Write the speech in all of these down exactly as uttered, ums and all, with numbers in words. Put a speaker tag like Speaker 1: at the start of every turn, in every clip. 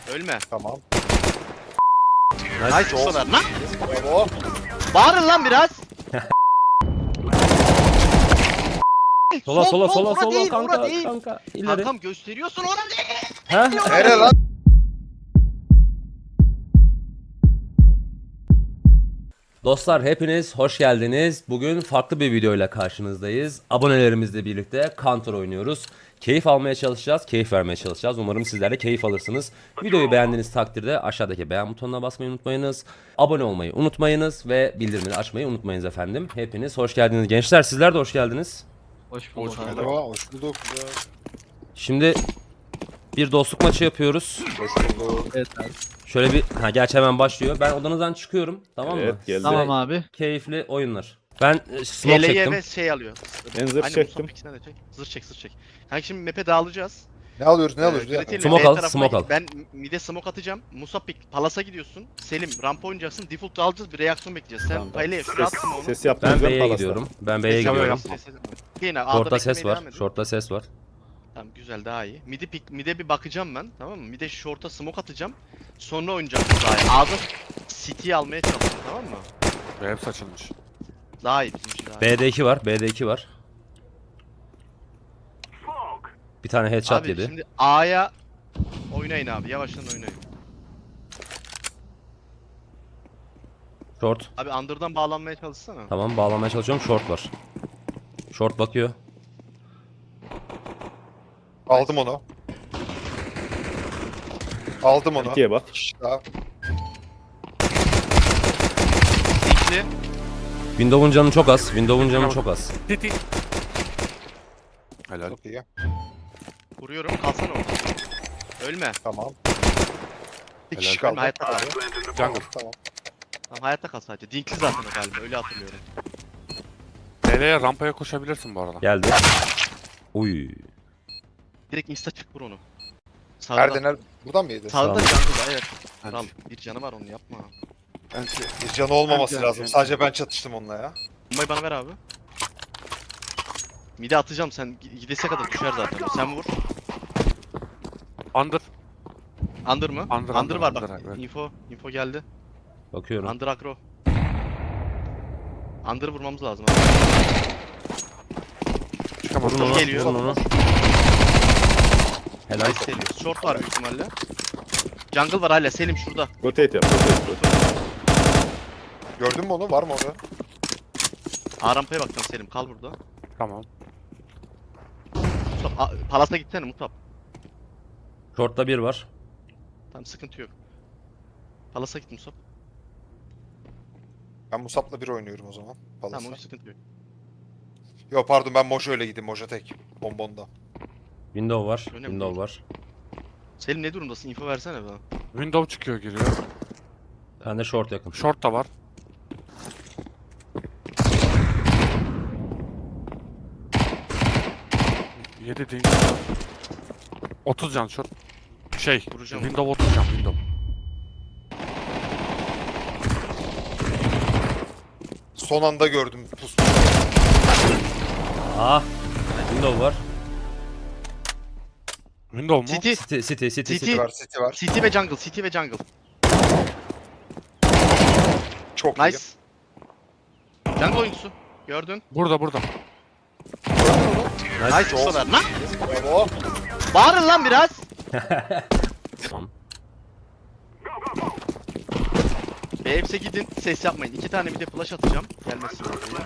Speaker 1: Ölme.
Speaker 2: Tamam.
Speaker 1: Nice o kadar lan.
Speaker 2: Bravo.
Speaker 1: Bağırın lan biraz.
Speaker 3: Sola
Speaker 1: Sol,
Speaker 3: sola
Speaker 1: sol,
Speaker 3: sola
Speaker 1: ora
Speaker 3: sola
Speaker 1: değil,
Speaker 3: kanka
Speaker 1: ora değil.
Speaker 3: kanka ileri.
Speaker 1: Kankam gösteriyorsun ona değil.
Speaker 3: Ha?
Speaker 2: Nere lan?
Speaker 3: Dostlar hepiniz hoş geldiniz. Bugün farklı bir videoyla karşınızdayız. Abonelerimizle birlikte Counter oynuyoruz. Keyif almaya çalışacağız, keyif vermeye çalışacağız. Umarım sizler de keyif alırsınız. Videoyu beğendiğiniz takdirde aşağıdaki beğen butonuna basmayı unutmayınız. Abone olmayı unutmayınız ve bildirimleri açmayı unutmayınız efendim. Hepiniz hoş geldiniz. Gençler sizler de hoş geldiniz.
Speaker 1: Hoş bulduk.
Speaker 2: Hoş bulduk. Hoş bulduk.
Speaker 3: Şimdi bir dostluk maçı yapıyoruz.
Speaker 2: Hoş bulduk.
Speaker 4: Evet abi.
Speaker 3: Şöyle bir, ha gerçi hemen başlıyor. Ben odanızdan çıkıyorum, tamam mı?
Speaker 5: Evet, geldi.
Speaker 4: Tamam abi.
Speaker 3: Keyifli oyunlar. Ben e, smoke
Speaker 1: L L'ye
Speaker 3: çektim.
Speaker 1: ve şey alıyor.
Speaker 5: Ben zırh
Speaker 1: Aynen,
Speaker 5: çektim.
Speaker 1: Musab ikisinden de çek. Zırh çek, zırh çek. Kanka şimdi map'e dağılacağız.
Speaker 2: Ne alıyoruz? Ne alıyoruz?
Speaker 1: Ee,
Speaker 2: Bir dakika.
Speaker 1: Gretel'le
Speaker 3: Smoke
Speaker 1: B
Speaker 3: al,
Speaker 1: tarafına
Speaker 3: smoke
Speaker 1: git.
Speaker 3: al.
Speaker 1: Ben mid'e smoke atacağım. Musab pik, Palas'a gidiyorsun. Selim rampa oynayacaksın. Default alacağız, bir reaksiyon bekleyeceğiz. Sen
Speaker 5: Tamam,
Speaker 1: Payle'ye
Speaker 5: ses,
Speaker 1: şunu at smoke'unu.
Speaker 5: ses yaptım.
Speaker 3: Ben B'ye gidiyorum. Ben B'ye gidiyorum.
Speaker 1: Yine A'da
Speaker 3: Short'ta ses
Speaker 1: beklemeye
Speaker 3: var.
Speaker 1: devam edin.
Speaker 3: Short'ta ses var.
Speaker 1: Tamam güzel, daha iyi. Mid'e pik, mid'e bir bakacağım ben, tamam mı? Mid'e short'a smoke atacağım. Sonra oynayacağım daha iyi. A'da City'yi almaya çalışacağım, tamam mı?
Speaker 6: Hep saçılmış.
Speaker 1: Daha iyi bizim için, daha iyi.
Speaker 3: B'de iki var. B'de iki var. Bir tane headshot
Speaker 1: Abi
Speaker 3: yedi.
Speaker 1: şimdi A'ya oynayın abi, yavaştan oynayın.
Speaker 3: Short.
Speaker 1: Abi under'dan bağlanmaya çalışsana.
Speaker 3: Tamam, bağlamaya çalışıyorum. Short var. Short bakıyor.
Speaker 2: Aldım onu. Aldım onu.
Speaker 5: İkiye bak.
Speaker 2: İki daha.
Speaker 1: Dikli.
Speaker 3: Windows'un canı çok az. Windows'un canı çok az.
Speaker 6: Titi. Helal.
Speaker 2: Çok iyi.
Speaker 1: Vuruyorum, kalsana orada. Ölme.
Speaker 2: Tamam. Bir
Speaker 6: Helal.
Speaker 2: kişi kaldı.
Speaker 1: Ölme, hayatta kal.
Speaker 6: Jungle.
Speaker 2: Tamam.
Speaker 1: Tamam, hayatta kal sadece. Dinkli zaten o galiba, öyle hatırlıyorum.
Speaker 6: L L'ye rampaya koşabilirsin bu arada.
Speaker 3: Geldi. Uy.
Speaker 1: Direkt insta çık, vur onu. Sağda.
Speaker 2: Nerede nerede? Buradan mı yedi?
Speaker 1: Sağda
Speaker 3: Sağda.
Speaker 1: jungle'da, evet.
Speaker 6: Hadi.
Speaker 1: Kral, bir canı var, onu yapma.
Speaker 2: Bence bir canı olmaması
Speaker 6: Bence-
Speaker 2: lazım.
Speaker 6: bence.
Speaker 2: Sadece ben çatıştım onunla ya.
Speaker 1: Bombayı bana ver abi. Mide atacağım, sen gidese kadar düşer zaten. Sen vur.
Speaker 6: Under.
Speaker 1: Under mı?
Speaker 6: Under,
Speaker 1: Under, var
Speaker 6: under,
Speaker 1: bak.
Speaker 6: evet.
Speaker 1: Info, info geldi.
Speaker 3: Bakıyorum.
Speaker 1: Under agro. Under'ı vurmamız lazım abi.
Speaker 6: Çıkamaz.
Speaker 3: Vurun onu.
Speaker 1: Geliyor.
Speaker 3: Vurun onu. Helal.
Speaker 1: Nice Selim. Short var büyük ihtimalle. Jungle var hala, Selim şurada.
Speaker 5: Rotate yap. Rotate, rotate.
Speaker 2: Gördün mü onu? Var mı orada?
Speaker 1: A rampaya bakacağım Selim, kal burada.
Speaker 6: Tamam.
Speaker 1: Musab, A- Palas'a gitsene Musab.
Speaker 3: Short'ta bir var.
Speaker 1: Tamam, sıkıntı yok. Palas'a git Musab.
Speaker 2: Ben Musab'la bir oynuyorum o zaman. Palas'a.
Speaker 1: Tamam, o sıkıntı yok.
Speaker 2: Yo pardon, ben Mojo ile gideyim. Mojo tek. Bonbonda.
Speaker 3: Window var.
Speaker 1: Önemli
Speaker 3: Window
Speaker 1: değil.
Speaker 3: var.
Speaker 1: Selim ne durumdasın? Info versene bana.
Speaker 6: Window çıkıyor giriyor.
Speaker 3: Ben de short yakın.
Speaker 6: Short da var. yedi değil. otuz can short. Şey,
Speaker 1: Vuracağım.
Speaker 6: window otuz can window.
Speaker 2: Son anda gördüm pus.
Speaker 3: Ah. Window var.
Speaker 6: Window mu?
Speaker 1: City,
Speaker 3: City, city, city,
Speaker 1: City.
Speaker 3: city.
Speaker 2: Var, City var.
Speaker 1: City ve jungle, City ve jungle.
Speaker 2: Çok
Speaker 1: Nice.
Speaker 2: iyi.
Speaker 1: Jungle oyuncusu. Gördün.
Speaker 6: Burada burada.
Speaker 3: Nice.
Speaker 1: Nice, o kadar lan.
Speaker 2: Bravo.
Speaker 1: Bağırın lan biraz.
Speaker 3: Tamam.
Speaker 1: B hepsi gidin, ses yapmayın. İki tane bir de flash atacağım. Gelmesin oraya.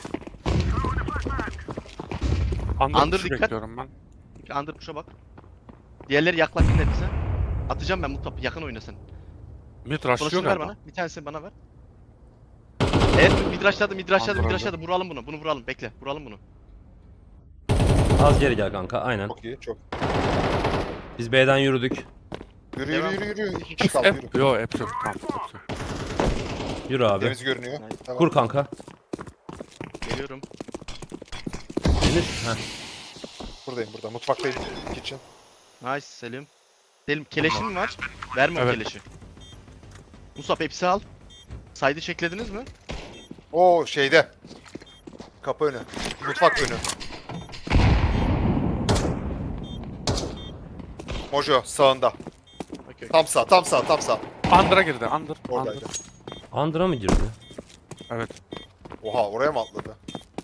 Speaker 6: Under,
Speaker 1: Under
Speaker 6: push'u
Speaker 1: dikkat.
Speaker 6: bekliyorum ben.
Speaker 1: Under push'a bak. Diğerleri yaklaşsın hepsi. Atacağım ben Mutlaka, yakın oyna sen.
Speaker 6: Mid rushlıyor
Speaker 1: Flash'ını ver
Speaker 6: galiba.
Speaker 1: bana. Bir tanesini bana ver. Evet, midraşladı, midraşladı,
Speaker 6: Under,
Speaker 1: midraşladı. Vuralım bunu, bunu vuralım. Bekle, vuralım bunu.
Speaker 3: Az geri gel kanka. Aynen.
Speaker 2: Çok iyi. Çok.
Speaker 3: Biz B'den yürüdük.
Speaker 2: Yürü
Speaker 1: Devam.
Speaker 2: yürü yürü yürü. İki kişi kaldı yürü.
Speaker 6: Hep, yo hep yok. Tamam. hep yok.
Speaker 3: Yürü abi.
Speaker 2: Temiz görünüyor.
Speaker 1: Nice.
Speaker 2: Tamam.
Speaker 3: Kur kanka.
Speaker 1: Geliyorum.
Speaker 3: Gelir. Heh.
Speaker 2: Buradayım burada. Mutfaktayım. Kitchen.
Speaker 1: Nice Selim. Selim keleşin mi var? Verme o
Speaker 6: Evet.
Speaker 1: keleşi. Musab hepsi al. Saydı çeklediniz mi?
Speaker 2: Oo şeyde. Kapı önü. Mutfak önü. Mojo sağında.
Speaker 1: Okey.
Speaker 2: Tam sağ, tam sağ, tam sağ.
Speaker 6: Under'a girdi. Under. Under.
Speaker 2: Oradaydı.
Speaker 3: Under'a mı girdi?
Speaker 6: Evet.
Speaker 2: Oha, oraya mı atladı?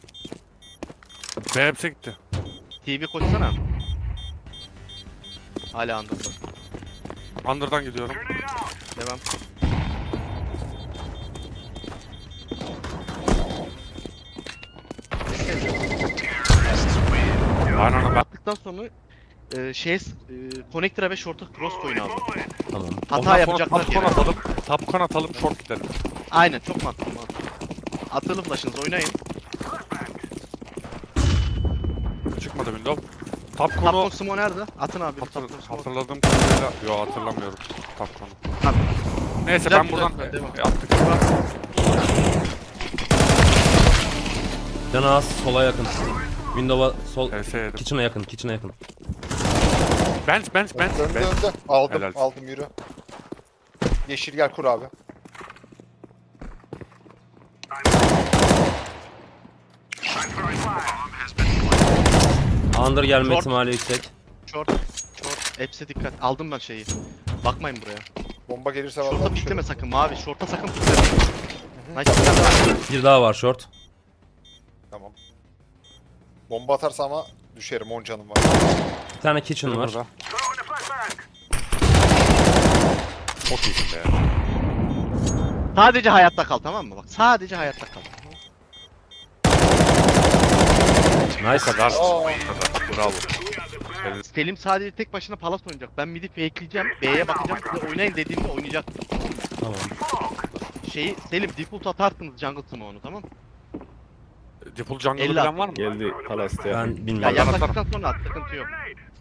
Speaker 6: B hepsi gitti.
Speaker 1: T V koşsana. Hala andırdı.
Speaker 6: Under'dan gidiyorum.
Speaker 1: Devam.
Speaker 6: Aynen ben.
Speaker 1: Attıktan sonra e, şey e, connector'a ve short'a cross koyun abi.
Speaker 3: Tamam.
Speaker 1: Hata
Speaker 6: Ondan sonra
Speaker 1: yapacaklar
Speaker 6: Tapkon
Speaker 1: gene.
Speaker 6: atalım. Tapkon atalım. Short gidelim.
Speaker 1: Aynen çok mantıklı mantıklı. Atılı flash'ınızı oynayın.
Speaker 6: Çıkmadı window. Tapkon'u
Speaker 1: Tapkon Sumo nerede? Atın abi.
Speaker 6: hatır,
Speaker 1: Tapkon Sumo.
Speaker 6: hatırladığım kadarıyla... Yo hatırlamıyorum. Tapkon'u.
Speaker 1: Tamam.
Speaker 6: Neyse
Speaker 1: Güzel,
Speaker 6: ben
Speaker 1: güzel,
Speaker 6: buradan
Speaker 1: güzel, devam.
Speaker 6: e, attık.
Speaker 3: Canı az, sola yakın. Window'a sol,
Speaker 6: E S yedim.
Speaker 3: kitchen'a yakın, kitchen'a yakın.
Speaker 6: Bench bench bench.
Speaker 2: Önde,
Speaker 6: bench.
Speaker 2: önde. Aldım,
Speaker 6: Helal.
Speaker 2: aldım yürü. Yeşil gel kur abi.
Speaker 3: Under gelme
Speaker 1: Short.
Speaker 3: ihtimali yüksek.
Speaker 1: Short. Short. Hepsi dikkat. Aldım ben şeyi. Bakmayın buraya.
Speaker 2: Bomba gelirse
Speaker 1: Short'a
Speaker 2: vallahi
Speaker 1: pikleme
Speaker 2: düşerim.
Speaker 1: sakın mavi. Short'a sakın pikleme. Nice. Bir tane daha.
Speaker 3: Bir daha var short.
Speaker 2: Tamam. Bomba atarsa ama düşerim, on canım var.
Speaker 3: Bir tane kitchen var.
Speaker 6: Burada. Çok iyisin be.
Speaker 1: Sadece hayatta kal tamam mı? Bak sadece hayatta kal.
Speaker 3: Nice.
Speaker 6: Bu kadar.
Speaker 2: Aa.
Speaker 6: Bu kadar. Bravo. Evet.
Speaker 1: Selim sadece tek başına palas oynayacak. Ben mid'i fakeleyeceğim. B'ye bakacağım. Size oynayın dediğimde oynayacak.
Speaker 3: Tamam.
Speaker 1: Şeyi Selim default atarsınız jungle smoke'unu tamam mı?
Speaker 6: Default jungle'ı
Speaker 1: elli
Speaker 6: bilen var mı?
Speaker 5: Geldi Palas'ta.
Speaker 3: Ben
Speaker 1: Ya
Speaker 3: bilmiyorum.
Speaker 6: Ben
Speaker 1: yaklaştıktan sonra at sıkıntı yok.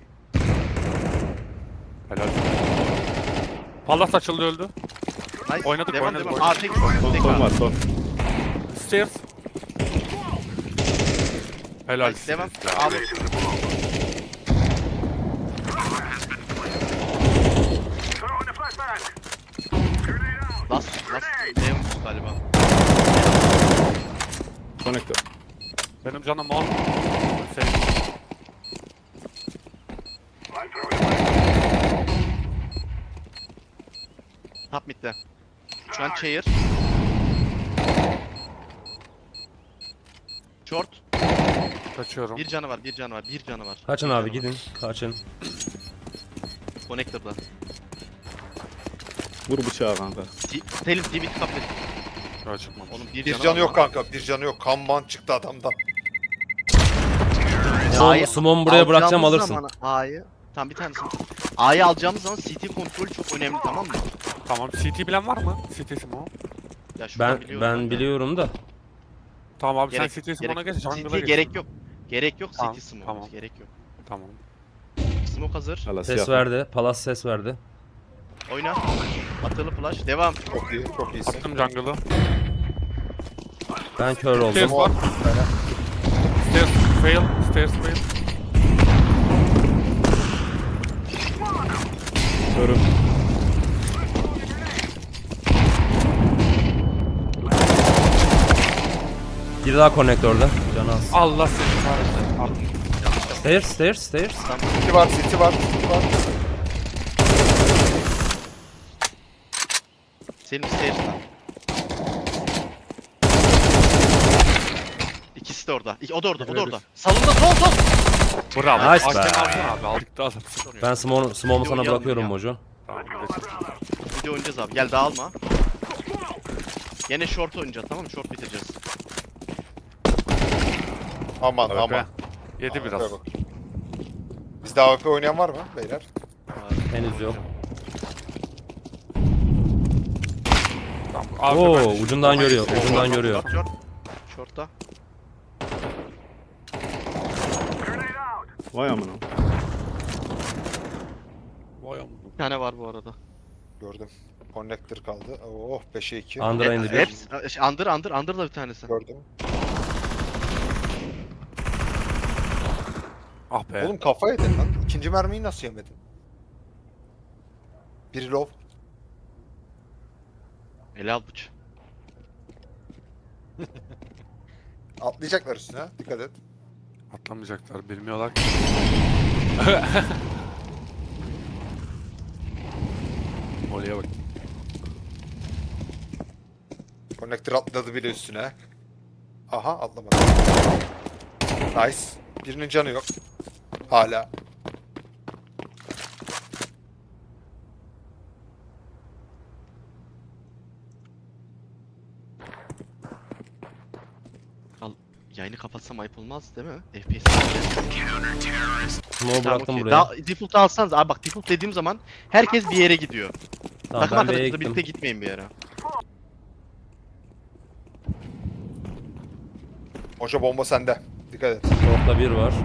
Speaker 6: Helal. Pallas açıldı öldü.
Speaker 1: Nice.
Speaker 6: Oynadık,
Speaker 1: devam,
Speaker 6: oynadık,
Speaker 1: devam.
Speaker 6: oynadık.
Speaker 1: Aa, tek,
Speaker 5: Son,
Speaker 1: tek
Speaker 5: son
Speaker 1: abi.
Speaker 5: var son.
Speaker 6: Stairs. Helal.
Speaker 1: Nice, devam.
Speaker 6: Stairs ya.
Speaker 1: Abi. Last, last. Devam galiba.
Speaker 5: Connector.
Speaker 6: Benim canım on. Sen
Speaker 1: Top mid'de. Şu an chair. Short.
Speaker 6: kaçıyorum.
Speaker 1: Bir canı var, bir canı var, bir canı var.
Speaker 3: Kaçın
Speaker 1: Bir
Speaker 3: abi
Speaker 1: canı var.
Speaker 3: gidin. Kaçın.
Speaker 1: Connector'da.
Speaker 5: Vur bıçağı kanka.
Speaker 1: T- Selim T V kapı.
Speaker 6: Yo çıkmamış.
Speaker 1: Onun bir,
Speaker 2: Bir
Speaker 1: canı,
Speaker 2: canı
Speaker 1: var
Speaker 2: yok
Speaker 1: lan.
Speaker 2: kanka, bir canı yok. Kanban çıktı adamdan.
Speaker 3: Son, Sumon buraya bırakacağım
Speaker 1: Alacağımız
Speaker 3: alırsın.
Speaker 1: zaman A'yı. Tam bir tanesi. A'yı alacağımız zaman C T kontrolü çok önemli tamam mı?
Speaker 6: Tamam. C T bilen var mı? C T Simo.
Speaker 1: Ya şuradan
Speaker 3: Ben
Speaker 1: biliyorum
Speaker 3: ben
Speaker 1: da.
Speaker 3: biliyorum da.
Speaker 6: Tamam abi
Speaker 1: Gerek-
Speaker 6: sen C T Simo'na
Speaker 1: gerek-
Speaker 6: geç. Jungle'a
Speaker 1: C T
Speaker 6: geç.
Speaker 1: gerek yok. Gerek yok
Speaker 6: Tamam,
Speaker 1: C T smoke.
Speaker 6: tamam.
Speaker 1: Gerek yok.
Speaker 6: Tamam.
Speaker 1: Smoke hazır.
Speaker 5: Palas
Speaker 3: Ses
Speaker 5: yakın.
Speaker 3: verdi. Palas ses verdi.
Speaker 1: Oyna. Atılı flash. Devam.
Speaker 2: Çok iyi, çok iyisin.
Speaker 6: Attım jungle'ı.
Speaker 3: Ben kör
Speaker 6: Stairs
Speaker 3: oldum.
Speaker 6: var. Stairs fail. Stairs fail.
Speaker 5: Körüm.
Speaker 3: Bir daha konnektörde. Canı az.
Speaker 6: Allah seni kahretsin.
Speaker 3: Stairs, stairs, stairs.
Speaker 2: City var, City var, City var.
Speaker 1: Selim stairs'ta. İkisi de orada. İki- O da orada, o da orada. Salonda sol sol.
Speaker 6: Bravo.
Speaker 3: Nice
Speaker 6: Hakem
Speaker 3: be.
Speaker 6: alsana abi. Aldık da alırsın.
Speaker 3: Ben Sumon, Sumon'u sana
Speaker 1: Oynayalım
Speaker 3: bırakıyorum
Speaker 1: ya.
Speaker 3: Mojo.
Speaker 6: Tamam geçelim.
Speaker 1: Video oynayacağız abi. Gel dağılma. Yine short oynayacağız tamam mı? Short bitireceğiz.
Speaker 2: Aman
Speaker 6: A W P.
Speaker 2: aman.
Speaker 6: Yedi
Speaker 2: A W P
Speaker 6: biraz.
Speaker 2: bak. Bizde A W P oynayan var mı beyler?
Speaker 3: Henüz yok.
Speaker 6: Tamam. Abi
Speaker 3: Oo,
Speaker 6: ben-
Speaker 3: ucundan görüyor, ucundan görüyor.
Speaker 1: Short short. Short'ta.
Speaker 5: Vay amına.
Speaker 6: Vay amına.
Speaker 1: Bir tane var bu arada.
Speaker 2: Gördüm. Connector kaldı. Oh beşe iki.
Speaker 3: Under'a indi bir.
Speaker 1: Hepsi. Under under under da bir tanesi.
Speaker 2: Gördüm.
Speaker 6: Ah be.
Speaker 2: Oğlum kafa yedin lan. İkinci mermiyi nasıl yemedin? Biri low.
Speaker 1: Ele al bıç.
Speaker 2: Atlayacaklar üstüne. Dikkat et.
Speaker 6: Atlamayacaklar. Bilmiyorlar ki. Oraya bak.
Speaker 2: Connector atladı bile üstüne. Aha atlamadı. Nice. Birinin canı yok. Hala.
Speaker 1: Al. Yayını kapatsam ayıp olmaz değil mi? F P S.
Speaker 3: Smoke bıraktım
Speaker 1: okey.
Speaker 3: buraya.
Speaker 1: Daha default alsanız abi bak default dediğim zaman herkes bir yere gidiyor.
Speaker 3: Tamam
Speaker 1: Takım
Speaker 3: ben B'ye
Speaker 1: arkadaşınızla
Speaker 3: gittim.
Speaker 1: birlikte gitmeyin bir yere.
Speaker 2: Hoca bomba sende. Dikkat et.
Speaker 3: Short'ta bir var.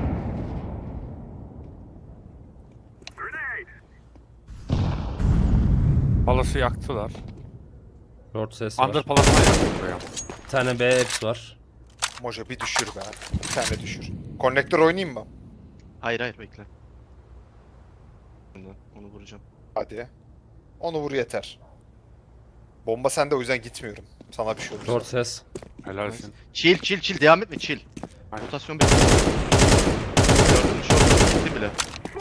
Speaker 6: Palası yaktılar.
Speaker 3: Short ses var.
Speaker 6: Under palasına yaktı buraya.
Speaker 3: Bir tane B hepsi var.
Speaker 2: Moja bir düşür be. Bir tane düşür. Connector oynayayım mı?
Speaker 1: Hayır hayır bekle. Onu vuracağım.
Speaker 2: Hadi. Onu vur yeter. Bomba sende o yüzden gitmiyorum. Sana bir şey olursa.
Speaker 3: Short ses.
Speaker 6: Helalsin.
Speaker 1: Chill chill chill devam etme chill.
Speaker 6: Aynen.
Speaker 1: Rotasyon bekle. Gördün mü? Short gitti bile.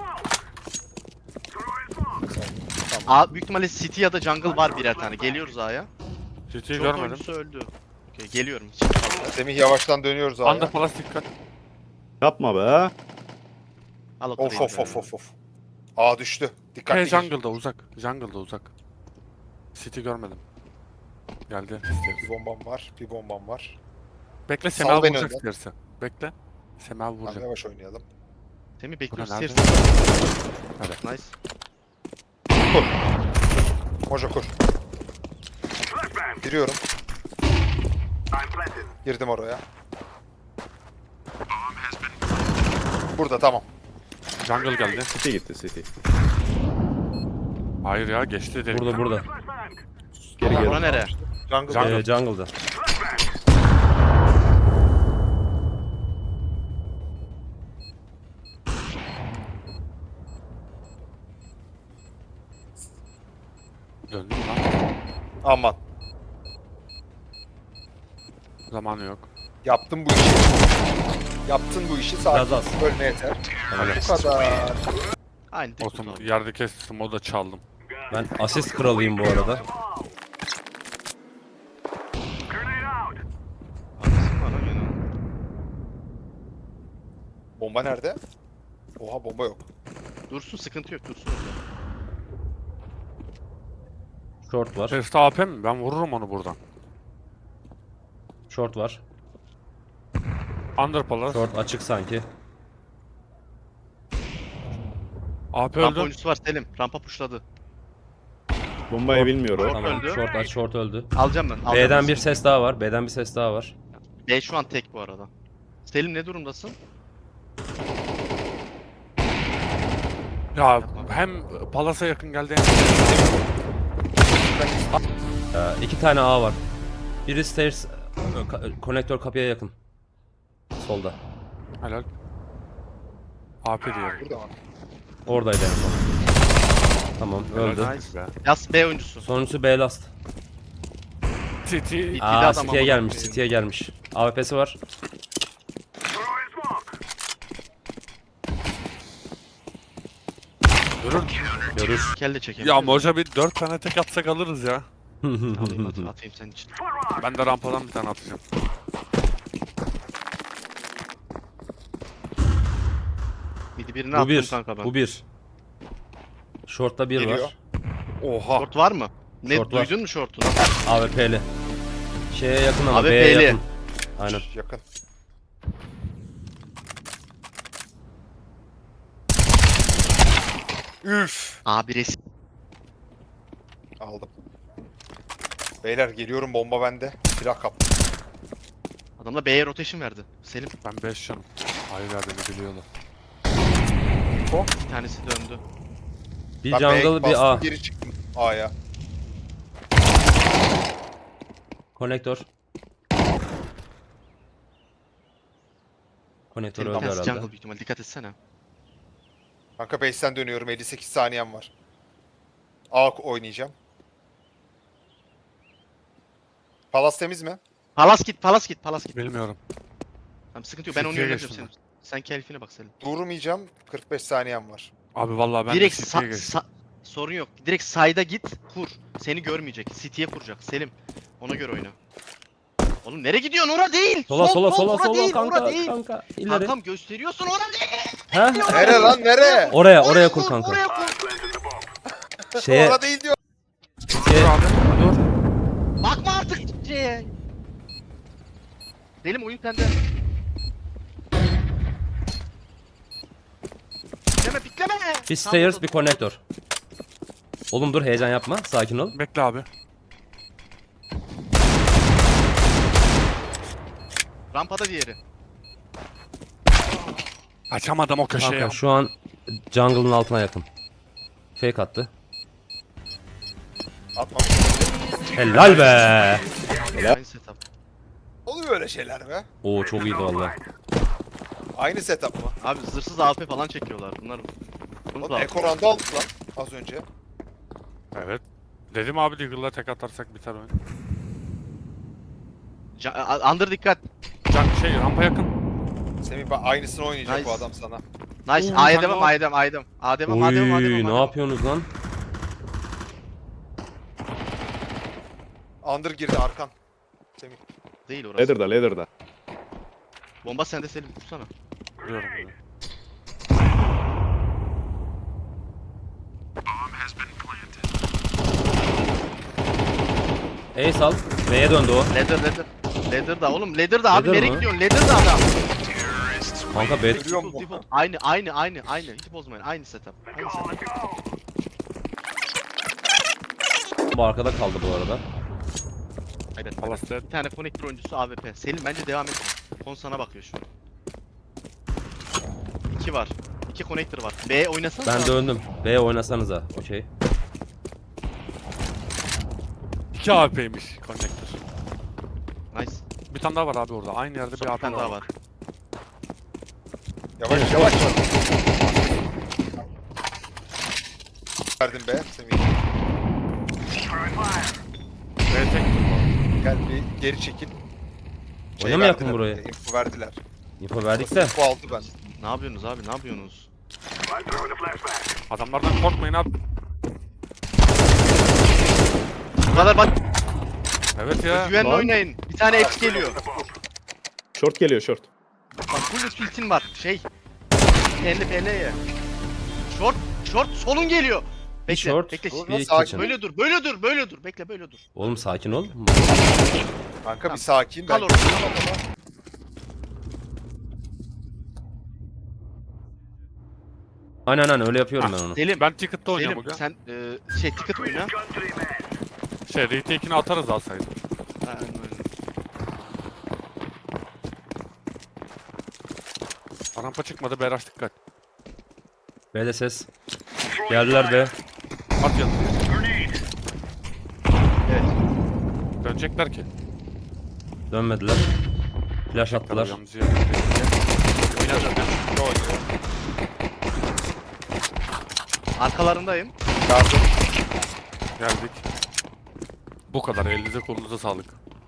Speaker 2: Tamam.
Speaker 1: A büyük ihtimalle City ya da Jungle var birer tane. Geliyoruz A'ya.
Speaker 6: City'yi
Speaker 1: Short
Speaker 6: görmedim.
Speaker 1: oyuncusu öldü. Okey geliyorum. City kaldı.
Speaker 2: Semih yavaştan dönüyoruz abi.
Speaker 6: Under palas dikkat.
Speaker 5: Yapma be.
Speaker 1: Al o
Speaker 2: Of
Speaker 1: tarayı
Speaker 2: of
Speaker 1: be.
Speaker 2: of of of. Aa düştü. Dikkatli
Speaker 6: Hey
Speaker 2: gir.
Speaker 6: jungle'da uzak. Jungle'da uzak. City görmedim. Geldi.
Speaker 2: Bir bombam var. Bir bombam var.
Speaker 6: Bekle
Speaker 2: Sal
Speaker 6: Sema
Speaker 2: beni
Speaker 6: vuracak
Speaker 2: önden.
Speaker 6: isterse. Bekle. Sema
Speaker 2: Tamam,
Speaker 6: vuracak.
Speaker 2: yavaş oynayalım.
Speaker 1: Semih bekliyoruz.
Speaker 6: Bura
Speaker 1: Stairs.
Speaker 6: nerede?
Speaker 1: Nice.
Speaker 2: Kur. Moja kur. Giriyorum. Girdim oraya. Burada tamam.
Speaker 6: Jungle geldi.
Speaker 5: City gitti City.
Speaker 6: Hayır ya geçti dedik.
Speaker 3: Burada burada.
Speaker 5: Geri
Speaker 1: Bura
Speaker 5: geri.
Speaker 1: nereye?
Speaker 2: Jungle.
Speaker 6: Jungle.
Speaker 3: Ee, jungle'da.
Speaker 6: Döndü lan.
Speaker 2: Aman.
Speaker 6: Zamanı yok.
Speaker 2: Yaptın bu işi. Yaptın bu işi.
Speaker 3: Biraz
Speaker 2: Sakin.
Speaker 3: az.
Speaker 2: Ölme yeter.
Speaker 6: Helal.
Speaker 2: Bu kadar.
Speaker 1: Aynı tek
Speaker 6: Olsun
Speaker 1: tutalım.
Speaker 6: yerde kestim o da çaldım.
Speaker 3: Ben asist kralıyım bu arada.
Speaker 1: Haklısın bana gene.
Speaker 2: Bomba nerede? Oha bomba yok.
Speaker 1: Dursun sıkıntı yok dursun orada.
Speaker 3: Short var.
Speaker 6: Test A P mi? Ben vururum onu buradan.
Speaker 3: Short var.
Speaker 6: Under palas.
Speaker 3: Short açık sanki.
Speaker 6: A P
Speaker 1: Rampa
Speaker 6: öldü.
Speaker 1: oyuncusu var Selim. Rampa pushladı.
Speaker 5: Bombayı bilmiyor o.
Speaker 3: Tamam.
Speaker 1: öldü.
Speaker 3: Short aç, short öldü.
Speaker 1: Alacağım ben. Alacağım
Speaker 3: B'den
Speaker 1: ben.
Speaker 3: bir ses daha var. B'den bir ses daha var.
Speaker 1: B şu an tek bu arada. Selim ne durumdasın?
Speaker 6: Ya hem palasa yakın geldi hem
Speaker 3: Ee, iki tane A var. Biri stairs, e, ka- konektör kapıya yakın. Solda.
Speaker 6: helal. A P diyelim.
Speaker 2: Burada var.
Speaker 3: Oradaydı en son. Tamam öldü.
Speaker 6: Helal
Speaker 1: Nice.
Speaker 6: be.
Speaker 1: Yas B oyuncusu.
Speaker 3: Sonuncusu B last.
Speaker 6: City.
Speaker 1: Bir de
Speaker 3: Aa
Speaker 1: adam
Speaker 3: City'ye
Speaker 1: amına
Speaker 3: gelmiş,
Speaker 1: koyayım.
Speaker 3: City'ye gelmiş. A W P'si var.
Speaker 6: Görür.
Speaker 3: Görür.
Speaker 1: Kelle çekelim.
Speaker 6: Ya Moja bir dört tane tek atsak alırız ya.
Speaker 1: Alayım at, atayım senin için.
Speaker 6: Ben de rampadan bir tane atacağım.
Speaker 1: Midi birini
Speaker 3: Bu
Speaker 1: attım
Speaker 3: bir.
Speaker 1: kanka ben.
Speaker 3: Bu bir. Short'ta bir
Speaker 2: Geliyor.
Speaker 3: var.
Speaker 6: Oha.
Speaker 1: Short var mı? Ne
Speaker 3: Short var.
Speaker 1: duydun mu short'unu?
Speaker 3: A W P'li. Şeye yakın ama
Speaker 1: A W
Speaker 3: B'ye
Speaker 1: P'li.
Speaker 3: yakın. Aynen.
Speaker 2: Yakın. Üf.
Speaker 1: Abi resim.
Speaker 2: Aldım. Beyler geliyorum bomba bende. Silah kaptım.
Speaker 1: Adamla B'ye rotation verdi. Selim
Speaker 6: Ben beş canım. Hayır ya beni biliyorlar.
Speaker 1: bir tanesi döndü.
Speaker 3: Bir
Speaker 2: Ben B'ye
Speaker 3: jungle bir
Speaker 2: bastım,
Speaker 3: A.
Speaker 2: Geri çıktım A'ya.
Speaker 3: Konektör. Konektör
Speaker 1: Selim bir
Speaker 3: öldü
Speaker 1: tanesi
Speaker 3: herhalde.
Speaker 1: jungle büyük ihtimal dikkat etsene.
Speaker 2: Kanka base'ten dönüyorum. elli sekiz saniyem var. A oynayacağım. Palas temiz mi?
Speaker 1: Palas git palas git palas git.
Speaker 6: Bilmiyorum.
Speaker 1: Tamam sıkıntı yok ben onu
Speaker 6: City'ye
Speaker 1: yöneteceğim
Speaker 6: geçtim
Speaker 1: Selim. Sen keyfine bak Selim.
Speaker 2: Durmayacağım. kırk beş saniyem var.
Speaker 6: Abi vallahi ben
Speaker 1: Direkt
Speaker 6: de
Speaker 1: sa
Speaker 6: City'ye geçtim.
Speaker 1: sa Sorun yok. Direkt side'a git, kur. Seni görmeyecek. City'ye kuracak. Selim. Ona göre oyna. Oğlum nereye gidiyorsun? Ora değil.
Speaker 3: Sola
Speaker 1: Sol,
Speaker 3: sola
Speaker 1: sol,
Speaker 3: sola
Speaker 1: ora
Speaker 3: sola
Speaker 1: değil,
Speaker 3: kanka
Speaker 1: ora değil.
Speaker 3: kanka. İleri.
Speaker 1: Kankam gösteriyorsun, ora değil.
Speaker 3: Ha?
Speaker 2: Nere lan nere?
Speaker 3: Oraya oraya kur kanka.
Speaker 1: Oraya kur.
Speaker 3: Şeye
Speaker 2: Orada değil diyor.
Speaker 3: şeye
Speaker 6: Dur abi. Dur.
Speaker 1: Bakma artık şeye. Selim oyun sende. Pikleme pikleme.
Speaker 3: bir stairs bir connector. Oğlum dur heyecan yapma. Sakin ol.
Speaker 6: Bekle abi.
Speaker 1: Rampada diğeri.
Speaker 6: Açamadım o köşeye.
Speaker 3: Kanka şu an jungle'ın altına yakın. Fake attı.
Speaker 2: Atma.
Speaker 3: Helal be.
Speaker 1: Aynı setup.
Speaker 2: Oluyor öyle şeyler be.
Speaker 3: Oo çok iyiydi valla.
Speaker 2: Aynı setup mı?
Speaker 1: Abi zırhsız A P falan çekiyorlar bunlar. Bunu
Speaker 2: Oğlum
Speaker 1: da
Speaker 2: Ekoran'da aldık lan az önce.
Speaker 6: Evet. Dedim abi Deagle'la tek atarsak biter oyun.
Speaker 1: Ca- a- Under dikkat.
Speaker 6: Can şey rampa yakın.
Speaker 2: Semih bak aynısını oynayacak
Speaker 1: Nice.
Speaker 2: bu adam sana.
Speaker 1: Nice.
Speaker 6: Oo,
Speaker 1: A'ya
Speaker 6: sen
Speaker 1: devam,
Speaker 6: ne
Speaker 1: A'ya devam, A'ya devam. A'ya devam, A'ya devam, A'ya devam,
Speaker 3: Oy
Speaker 1: A'ya
Speaker 3: ne
Speaker 1: devam.
Speaker 3: yapıyorsunuz lan?
Speaker 2: Under girdi arkan. Semih.
Speaker 1: Değil orası.
Speaker 5: Ladder'da ladder'da.
Speaker 1: Bomba sende Selim, vursana.
Speaker 6: Biliyorum bunu.
Speaker 3: Ace al. B'ye döndü o.
Speaker 1: Ladder, ladder. Ladder da oğlum, ladder da abi
Speaker 3: Ladder
Speaker 1: nereye
Speaker 3: mı?
Speaker 1: gidiyorsun? Ladder da adam.
Speaker 3: Kanka B.
Speaker 2: Görüyor
Speaker 1: Default,
Speaker 2: musun?
Speaker 1: default. Aynı, aynı, aynı, aynı. Hiç bozmayın. Aynı setup. Aynı setup.
Speaker 3: Bu arkada kaldı bu arada.
Speaker 1: Evet.
Speaker 6: Palas dead.
Speaker 1: Bir tane connector oyuncusu A W P. Selim bence devam etme. Kon sana bakıyor şu an. İki var. İki connector var. B oynasana.
Speaker 3: Ben döndüm. B oynasanıza. Okey.
Speaker 6: İki A P'ymiş connector.
Speaker 1: Nice.
Speaker 6: Bir tane daha var abi orada. Aynı yerde
Speaker 1: Son
Speaker 6: bir A
Speaker 1: bir
Speaker 6: P
Speaker 1: tane daha
Speaker 6: var.
Speaker 1: var.
Speaker 2: Yavaş yavaş. Verdim be Semih.
Speaker 6: B tek.
Speaker 2: Gel bir geri çekil.
Speaker 3: Oynamayak mı
Speaker 2: verdiler,
Speaker 3: burayı?
Speaker 2: info verdiler.
Speaker 3: Info verdik de.
Speaker 2: Bu aldı ben.
Speaker 1: Ne yapıyorsunuz abi? Ne yapıyorsunuz?
Speaker 6: Adamlardan korkmayın abi.
Speaker 1: Bu kadar bak.
Speaker 6: Evet ya.
Speaker 1: Güvenli
Speaker 5: lan.
Speaker 1: oynayın. Bir tane X geliyor.
Speaker 5: Short geliyor short.
Speaker 1: Bak full ultin var. Şey. P L P L'ye. Short. Short solun geliyor. Bekle.
Speaker 3: short.
Speaker 1: Bekle.
Speaker 2: Dur,
Speaker 3: Bir
Speaker 2: sakin.
Speaker 3: kitchen.
Speaker 1: Böyle dur. Böyle dur. Böyle dur. Bekle böyle dur.
Speaker 3: Oğlum sakin ol.
Speaker 2: Kanka bir sakin.
Speaker 1: Kal
Speaker 2: Ben
Speaker 1: orada.
Speaker 3: Aynen aynen öyle yapıyorum ben onu.
Speaker 1: Selim.
Speaker 6: Ben ticket'ta oynuyorum
Speaker 1: Selim
Speaker 6: bugün.
Speaker 1: sen e, şey ticket oyna.
Speaker 6: Şey retake'ini atarız alsaydı.
Speaker 1: Aynen öyle.
Speaker 6: Rampa çıkmadı Beraş dikkat.
Speaker 3: B'de ses. Geldiler B.
Speaker 6: At yanına.
Speaker 1: Evet.
Speaker 6: Dönecekler ki.
Speaker 3: Dönmediler. Flash attılar.
Speaker 6: Kalacağımız yere.
Speaker 1: Oyna zaten.
Speaker 2: ne oynuyor?
Speaker 1: Arkalarındayım.
Speaker 2: Yardım.
Speaker 6: Geldik. Bu kadar. Elinize kolunuza sağlık.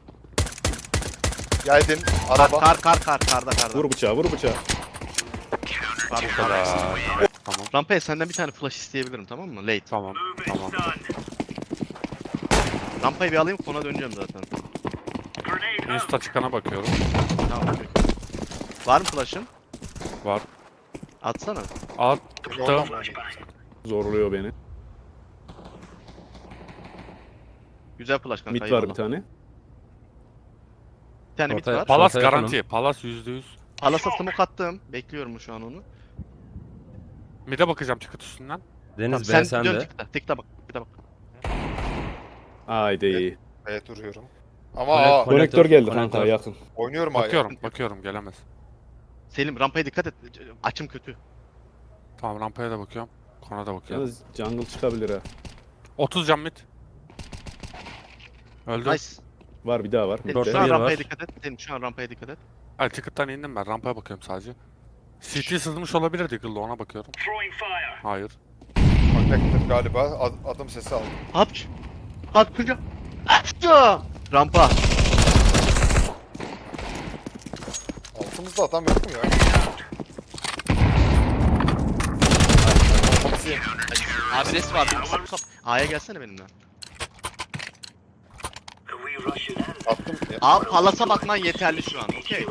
Speaker 2: Geldin.
Speaker 1: Kar
Speaker 2: Araba.
Speaker 1: kar kar kar karda karda.
Speaker 5: Vur bıçağı vur bıçağı.
Speaker 1: Kar,
Speaker 6: Bu
Speaker 1: kar.
Speaker 6: kadar. Tamam.
Speaker 1: Rampaya senden bir tane flash isteyebilirim tamam mı? Late.
Speaker 6: Tamam. Tamam.
Speaker 1: Rampayı bir alayım kona döneceğim zaten.
Speaker 6: Insta çıkana bakıyorum.
Speaker 1: Tamam. okey. Var mı flash'ın?
Speaker 6: Var.
Speaker 1: Atsana.
Speaker 6: At.
Speaker 2: Yoldan
Speaker 6: Tamam.
Speaker 2: mı?
Speaker 5: Zorluyor beni.
Speaker 1: Güzel flash kanka.
Speaker 5: Mid var
Speaker 1: eyvallah.
Speaker 5: bir tane.
Speaker 1: Bir tane mid
Speaker 3: Ortaya-
Speaker 1: var.
Speaker 6: Palas
Speaker 3: Ortaya
Speaker 6: garanti. Palas yüzde yüz.
Speaker 1: Palas'a smoke attım. Bekliyorum şu an onu.
Speaker 6: Mid'e bakacağım ticket üstünden.
Speaker 3: Deniz
Speaker 1: Tamam,
Speaker 3: B
Speaker 1: sen dön
Speaker 3: sende.
Speaker 1: tıkla. Tıkla bak. Tıkla bak.
Speaker 5: Haydi.
Speaker 2: Evet duruyorum. Ama
Speaker 3: Connect-
Speaker 2: aa,
Speaker 3: connect-
Speaker 5: Konektör geldi
Speaker 3: Konektör.
Speaker 5: kanka yakın.
Speaker 2: oynuyorum hala.
Speaker 6: Bakıyorum. Bakıyorum. Gelemez.
Speaker 1: Selim rampaya dikkat et. Açım kötü.
Speaker 6: Tamam rampaya da bakıyorum. Kona da bakıyorum.
Speaker 5: Yalnız jungle çıkabilir ha.
Speaker 6: otuz can mid. Öldü.
Speaker 1: Nice.
Speaker 5: Var bir daha var.
Speaker 1: Selim
Speaker 3: Dörtte
Speaker 1: şu an
Speaker 3: bir
Speaker 1: rampaya
Speaker 3: var.
Speaker 1: dikkat et. Selim şu an rampaya dikkat et.
Speaker 6: Ay ticket'tan indim ben. Rampaya bakıyorum sadece. C T sızmış olabilir Deagle'da ona bakıyorum. Hayır.
Speaker 2: Connector galiba. Ad- adım sesi aldım.
Speaker 1: Hapç. Hapçı. Hapçı. Rampa.
Speaker 2: Altımızda adam yok mu ya? Bizi-
Speaker 1: Abi res var. Musab Musab. A'ya gelsene benimle.
Speaker 2: Attım. Ya.
Speaker 1: Abi palasa bakman yeterli şu an. Okey.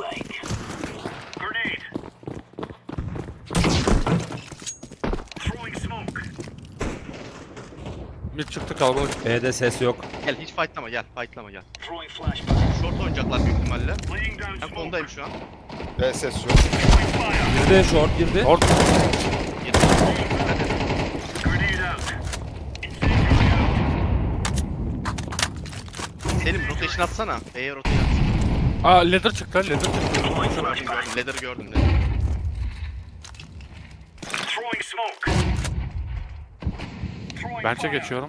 Speaker 6: Mid çıktı kalabalık.
Speaker 3: B'de ses yok.
Speaker 1: Gel hiç fightlama gel. Fightlama gel. Short oynayacaklar büyük ihtimalle. Ben konudayım şu an.
Speaker 2: B ses yok.
Speaker 3: Girdi short girdi.
Speaker 6: Orta.
Speaker 1: Girdim. Hadi. Selim rotation atsana. B'ye rotation at.
Speaker 6: Aa ladder çıktı ladder çıktı.
Speaker 1: Gördüm gördüm. Ladder'ı gördüm dedim.
Speaker 6: Bench'e geçiyorum.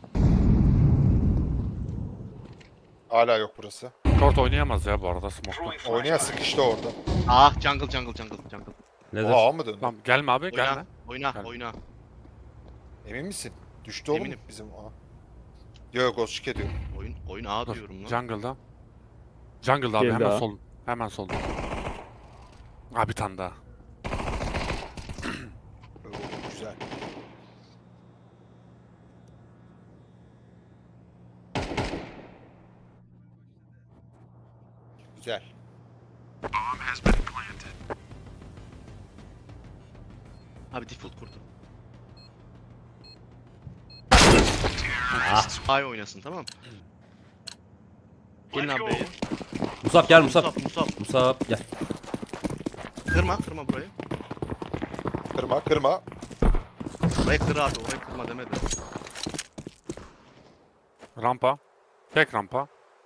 Speaker 2: Hala yok burası.
Speaker 6: Short oynayamaz ya bu arada smoke'ta.
Speaker 2: Oynayan sıkıştı orada.
Speaker 1: Ah jungle jungle jungle jungle.
Speaker 3: Leather.
Speaker 2: Oha mı döndü?
Speaker 6: Tamam gelme abi gelme.
Speaker 1: Oyna. Oyna
Speaker 6: Gel.
Speaker 1: oyna.
Speaker 2: Emin misin? Düştü oğlum
Speaker 1: Eminim.
Speaker 2: bizim A. Yok yok ghost ediyor.
Speaker 1: Oyun oyun A
Speaker 6: Dur,
Speaker 1: diyorum lan.
Speaker 6: Jungle'da. Jungle'da abi
Speaker 5: Geldi
Speaker 6: hemen
Speaker 5: ha.
Speaker 6: sol. Hemen sol. Abi bir tane daha.
Speaker 2: Oo, güzel. Güzel.
Speaker 1: Abi default kurdu.
Speaker 3: Ah.
Speaker 1: A'ya oynasın tamam. Gelin abi B'ye.
Speaker 3: Musab gel Musab.
Speaker 1: Musab Musab.
Speaker 3: Musab gel.
Speaker 1: Kırma kırma burayı.
Speaker 2: Kırma kırma.
Speaker 1: Orayı kır abi orayı kırma demedi.
Speaker 6: Rampa. Tek rampa.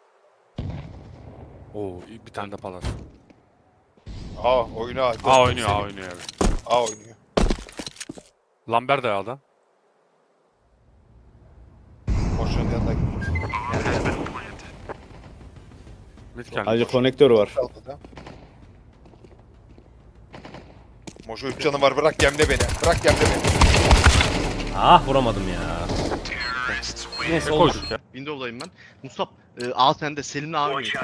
Speaker 6: Oo bir tane de palas.
Speaker 2: A oyunu A.
Speaker 6: A oynuyor A oynuyor evet.
Speaker 2: A oynuyor.
Speaker 6: Lambert de A'da.
Speaker 2: Boşun yanına gitti.
Speaker 6: Mid geldi.
Speaker 5: Ayrıca konektör var.
Speaker 2: Kaldı da. Mojo üç canı var bırak gemle beni. Bırak gemle beni.
Speaker 3: Ah vuramadım ya. Neyse
Speaker 6: Ne
Speaker 3: olur.
Speaker 6: koyduk ya?
Speaker 1: Windows'dayım ben. Musab e, A sende Selim'le A oynuyor.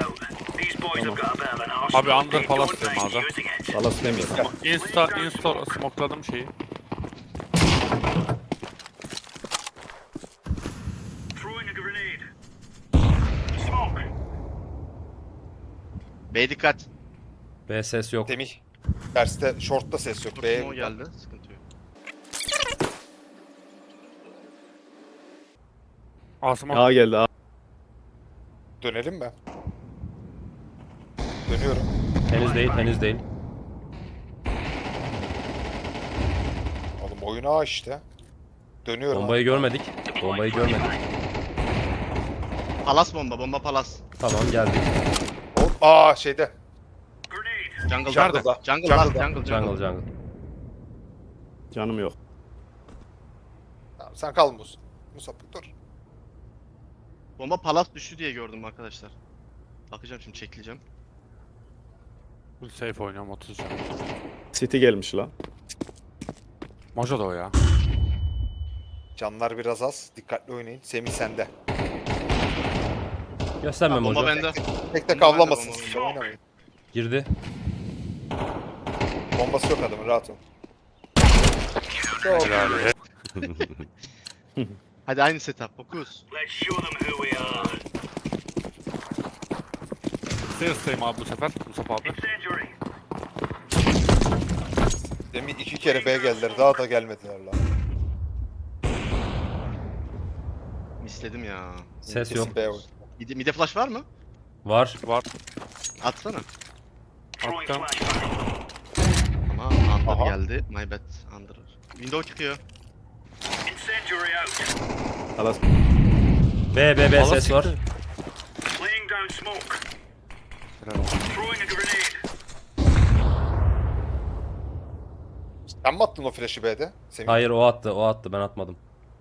Speaker 6: Abi under palas diyorum A'da.
Speaker 5: Palas demiyorum.
Speaker 6: Insta, insta smokeladım şeyi.
Speaker 1: B dikkat.
Speaker 3: B ses yok.
Speaker 2: Semih. Terste short'ta ses yok.
Speaker 1: Dur
Speaker 2: B
Speaker 1: smoke geldi. Sıkıntı yok.
Speaker 6: A smoke.
Speaker 5: A geldi A.
Speaker 2: dönelim mi? Dönüyorum.
Speaker 3: Henüz değil henüz değil.
Speaker 2: Oğlum oyun A işte. Dönüyorum.
Speaker 3: Bombayı görmedik. Bombayı görmedik.
Speaker 1: Palas bomba bomba palas.
Speaker 3: Tamam geldik.
Speaker 2: Oğlum, aa şeyde.
Speaker 1: Jungle
Speaker 2: Jungle'da.
Speaker 1: jungle. Jungle
Speaker 2: Jungle'da.
Speaker 1: last jungle
Speaker 3: Jungle
Speaker 1: jungle.
Speaker 3: jungle.
Speaker 5: Canım yok.
Speaker 2: Tamam, sen kal Mus. Musab dur.
Speaker 1: Bomba palas düştü diye gördüm arkadaşlar. Bakacağım şimdi çekileceğim.
Speaker 6: Full safe oynuyorum otuz can.
Speaker 5: City gelmiş lan.
Speaker 6: Mojo da o ya.
Speaker 2: Canlar biraz az. Dikkatli oynayın. Semih sende.
Speaker 3: Gösterme
Speaker 1: Ha, bomba
Speaker 3: Mojo.
Speaker 1: bende.
Speaker 2: Tek tek
Speaker 1: Bomba bende,
Speaker 2: avlamasın
Speaker 1: bomba
Speaker 2: siz.
Speaker 1: bende.
Speaker 2: Oynamayın.
Speaker 3: Girdi.
Speaker 2: Bombası yok adamın rahat ol.
Speaker 6: Helal.
Speaker 1: Hadi aynı setup. Fokus.
Speaker 6: Sales abi bu sefer. Musab abi.
Speaker 2: Demin iki kere B geldiler. Daha da gelmediler lan.
Speaker 1: Misledim ya.
Speaker 3: Ses
Speaker 2: Kesin
Speaker 3: yok.
Speaker 2: B oyun.
Speaker 1: Mide, mide flash var mı?
Speaker 3: Var.
Speaker 6: Var.
Speaker 1: Atsana.
Speaker 6: Attım.
Speaker 1: Ama under
Speaker 2: Aha.
Speaker 1: geldi. My bad. Under. Window çıkıyor.
Speaker 5: Palas.
Speaker 3: B B B
Speaker 6: Palas
Speaker 3: ses var.
Speaker 6: çıktı. Helal olsun.
Speaker 2: Sen mi attın o flash'ı B'de? Semih.
Speaker 3: Hayır o attı o attı ben atmadım.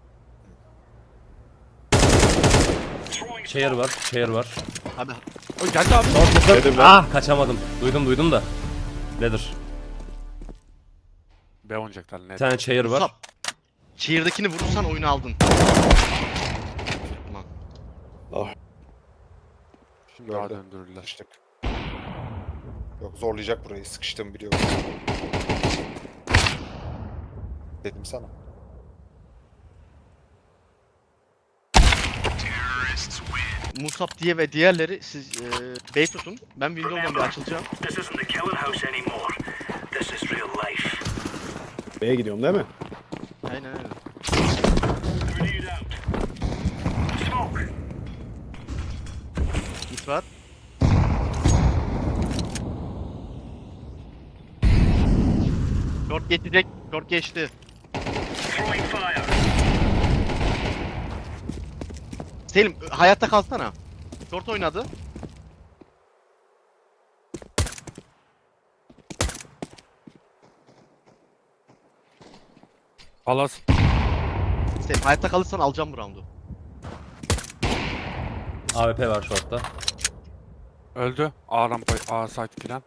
Speaker 3: Chair var. Chair var.
Speaker 1: Abi
Speaker 6: Oy geldi abi.
Speaker 5: Dedim ben.
Speaker 3: Ah kaçamadım. Duydum duydum da. Leather.
Speaker 6: B oynayacaklar net.
Speaker 3: Bir tane chair var.
Speaker 1: Musab. Cheer'dakini vurursan oyunu aldın. Tamam.
Speaker 5: Ah.
Speaker 6: Şimdi daha
Speaker 2: Gördü.
Speaker 6: döndürürler.
Speaker 2: Sıkıştık. Yok zorlayacak burayı. Sıkıştığımı biliyorum. Dedim sana.
Speaker 1: Musab diye ve diğerleri siz e, bey tutun. Ben Windows'dan bir açılacağım.
Speaker 4: This isn't the killing house anymore. This is real life.
Speaker 5: B'ye gidiyorum değil mi?
Speaker 1: Aynen öyle.
Speaker 4: Grenade out. Smoke.
Speaker 1: Git var. Short geçecek. Short geçti.
Speaker 4: Throwing fire.
Speaker 1: Selim hayatta kalsana. Short oynadı.
Speaker 6: Palas.
Speaker 1: Selim hayatta kalırsan alacağım bu roundu.
Speaker 3: A W P var short'ta.
Speaker 6: Öldü. A rampa, A site giren.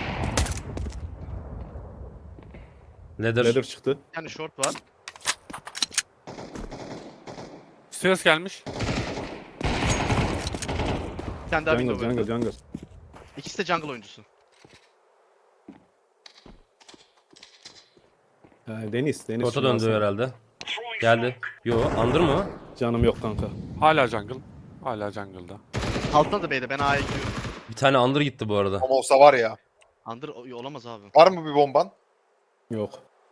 Speaker 3: Ladder.
Speaker 5: Ladder çıktı.
Speaker 1: Yani short var.
Speaker 6: Stairs gelmiş.
Speaker 1: Bir tane daha
Speaker 5: Jungle,
Speaker 1: window
Speaker 5: jungle,
Speaker 1: öldü.
Speaker 5: jungle.
Speaker 1: İkisi de jungle oyuncusu.
Speaker 5: Ha, Deniz, Deniz.
Speaker 3: Short'a
Speaker 5: şunu
Speaker 3: döndü
Speaker 5: alsana.
Speaker 3: herhalde.
Speaker 4: Throwing
Speaker 3: Geldi. Yo, under mı?
Speaker 5: Canım yok kanka.
Speaker 6: Hala jungle. Hala jungle'da.
Speaker 1: Altına da beyde ben A'ya gidiyorum.
Speaker 3: Bir tane under gitti bu arada.
Speaker 2: Ama olsa var ya.
Speaker 1: Under o- olamaz abi.
Speaker 2: Var mı bir bomban?
Speaker 5: Yok.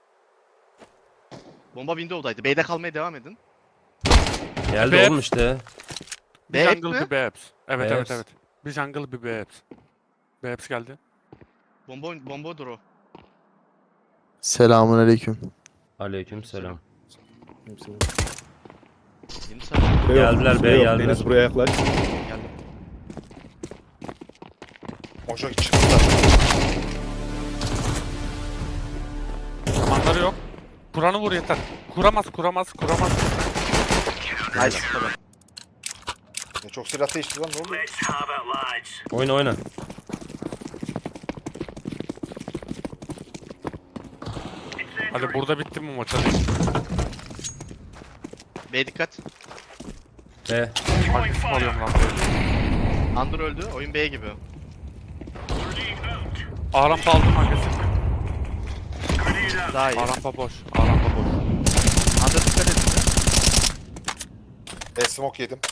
Speaker 1: Bomba window'daydı. B'de kalmaya devam edin.
Speaker 3: Geldi
Speaker 6: B'ye-
Speaker 3: oğlum işte.
Speaker 6: Bir
Speaker 1: B
Speaker 6: jungle
Speaker 1: mi?
Speaker 6: bir B apps. Evet
Speaker 3: B
Speaker 6: evet
Speaker 3: apps.
Speaker 6: evet. Bir jungle bir B apps. B apps geldi.
Speaker 1: Bomba oyun- bomba dur o.
Speaker 7: Selamun aleyküm.
Speaker 3: Aleyküm selam.
Speaker 5: Hepsini.
Speaker 1: Yeni sarı
Speaker 5: Süre yok,
Speaker 3: Geldiler,
Speaker 5: süre
Speaker 3: B'ye
Speaker 5: yok.
Speaker 3: geldiler.
Speaker 5: Deniz buraya yaklaş.
Speaker 1: geldi.
Speaker 2: Moşo çıktı.
Speaker 6: Manları yok. Kur'an'ı vur yeter. Kuramaz kuramaz kuramaz.
Speaker 1: Nice. Tabii.
Speaker 2: Ne çok silah değişti lan, ne oldu?
Speaker 4: Let's have it, lads.
Speaker 3: Oyna oyna.
Speaker 6: Hadi burada bitti mi maç hadi.
Speaker 1: B dikkat.
Speaker 3: B.
Speaker 6: Agresif alıyorum lan.
Speaker 1: Under öldü. Oyun B gibi.
Speaker 4: Grenade out.
Speaker 6: A rampa aldım agresif.
Speaker 4: Grenade out.
Speaker 1: Daha iyi.
Speaker 6: A rampa boş. A rampa boş.
Speaker 1: Under dikkat edin.
Speaker 2: E smoke yedim.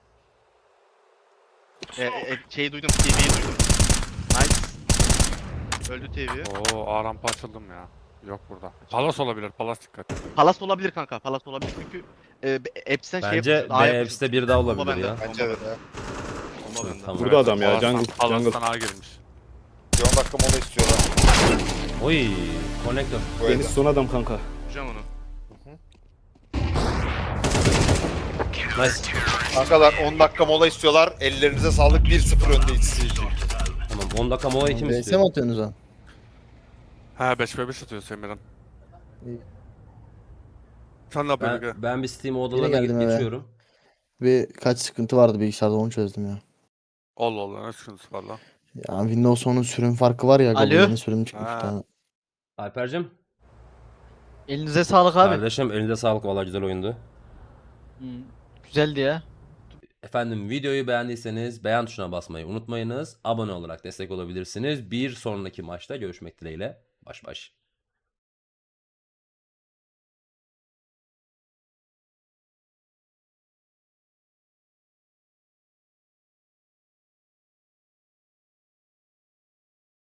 Speaker 1: E, e, şeyi duydum. T V'yi duydum. Nice. Öldü T V.
Speaker 6: Oo A rampa açıldım ya. Yok burada. Palas olabilir. Palas dikkat.
Speaker 1: Palas olabilir kanka. Palas olabilir çünkü e, Eps'ten şey
Speaker 3: Bence
Speaker 1: yapıyorsun,
Speaker 3: B
Speaker 1: A yapıyorsun.
Speaker 3: apps'te bir daha
Speaker 1: Bomba
Speaker 3: olabilir
Speaker 1: bende.
Speaker 3: ya.
Speaker 2: Bence evet ya.
Speaker 1: Bomba bende.
Speaker 3: Tamam.
Speaker 5: Burada adam ya,
Speaker 6: Palas'tan-
Speaker 5: jungle, jungle.
Speaker 6: Palas'tan A girmiş.
Speaker 2: Bir on dakika mola istiyorlar.
Speaker 3: Oy. Connector.
Speaker 2: Bu
Speaker 5: Deniz
Speaker 2: evde.
Speaker 5: son adam kanka.
Speaker 1: Vuracağım onu.
Speaker 3: Nice.
Speaker 2: Kankalar on dakika mola istiyorlar. Ellerinize sağlık. bir sıfır öndeyiz.
Speaker 3: Tamam on dakika mola kim
Speaker 7: B S mi
Speaker 3: istiyor?
Speaker 7: atıyorsunuz lan?
Speaker 6: He beş ve beş atıyor Semirhan.
Speaker 7: İyi.
Speaker 6: Sen ne yapıyorsun?
Speaker 3: Ben,
Speaker 6: Ege?
Speaker 3: ben bir Steam odalarına
Speaker 7: geldim
Speaker 3: gidip
Speaker 7: eve.
Speaker 3: geçiyorum.
Speaker 7: Bir kaç sıkıntı vardı bilgisayarda, onu çözdüm ya.
Speaker 6: Allah Allah ne sıkıntısı var lan.
Speaker 7: Ya Windows onun sürüm farkı var ya.
Speaker 8: Alo?
Speaker 7: Google yeni sürüm çıkmış
Speaker 6: Ha.
Speaker 7: bir tane.
Speaker 3: Alper'cim.
Speaker 8: Elinize sağlık abi.
Speaker 3: Kardeşim elinize sağlık, valla güzel oyundu.
Speaker 8: Hmm, güzeldi ya.
Speaker 3: Efendim videoyu beğendiyseniz beğen tuşuna basmayı unutmayınız. Abone olarak destek olabilirsiniz. Bir sonraki maçta görüşmek dileğiyle. Baş baş.